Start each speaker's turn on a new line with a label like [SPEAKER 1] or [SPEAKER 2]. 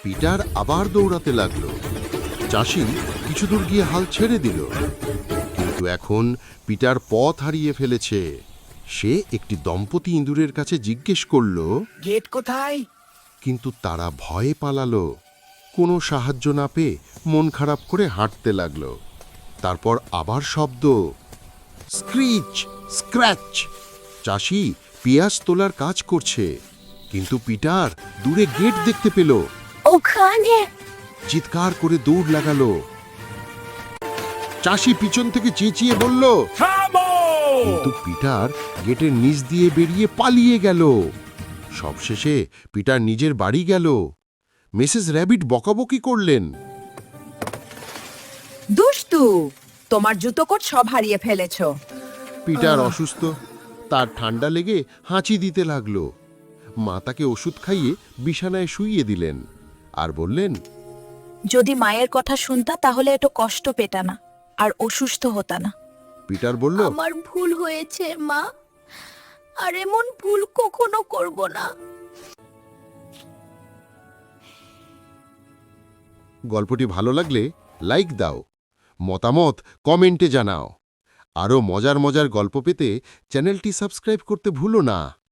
[SPEAKER 1] Peter আবার দৌড়াতে লাগলো। চাষি কিছু দূর গিয়ে হাল ছেড়ে দিল, কিন্তু এখন পিটার পথ হারিয়ে ফেলেছে। সে একটি দম্পতি ইঁদুরের কাছে জিজ্ঞেস করল,
[SPEAKER 2] গেট কোথায়?
[SPEAKER 1] কিন্তু তারা ভয়ে পালালো। কোনো সাহায্য না পেয়ে মন খারাপ করে হাঁটতে লাগলো। তারপর আবার শব্দ, স্ক্রিচ, স্ক্র্যাচ। চাষি পেঁয়াজ তোলার কাজ করছে, কিন্তু পিটার দূরে গেট দেখতে পেল।
[SPEAKER 3] ওখানে
[SPEAKER 1] চিৎকার করে দৌড় লাগালো। চাষি পিছন থেকে চেঁচিয়ে বলল,
[SPEAKER 2] থামো!
[SPEAKER 1] কিন্তু পিটার গেটের নিচ দিয়ে বেরিয়ে পালিয়ে গেল। সবশেষে পিটার নিজের বাড়ি গেল। মিসেস র‍্যাবিট বকাবকি করলেন।
[SPEAKER 3] দুষ্টু, তোমার জুতোকোট সব হারিয়ে ফেলেছো।
[SPEAKER 1] পিটার অসুস্থ, তার ঠান্ডা লেগে হাঁচি দিতে লাগলো। মা তাকে ওষুধ খাইয়ে বিছানায় শুইয়ে দিলেন আর বললেন,
[SPEAKER 3] যদি মায়ের কথা শুনতা তাহলে এত কষ্ট পেতা না আর অসুস্থ হতা না।
[SPEAKER 1] পিটার বলল,
[SPEAKER 4] আমার ভুল হয়েছে মা, আর এমন ভুল কখনো করব না।
[SPEAKER 1] গল্পটি ভালো লাগলে লাইক দাও, মতামত কমেন্টে জানাও। আরও মজার মজার গল্প পেতে চ্যানেলটি সাবস্ক্রাইব করতে ভুলো না।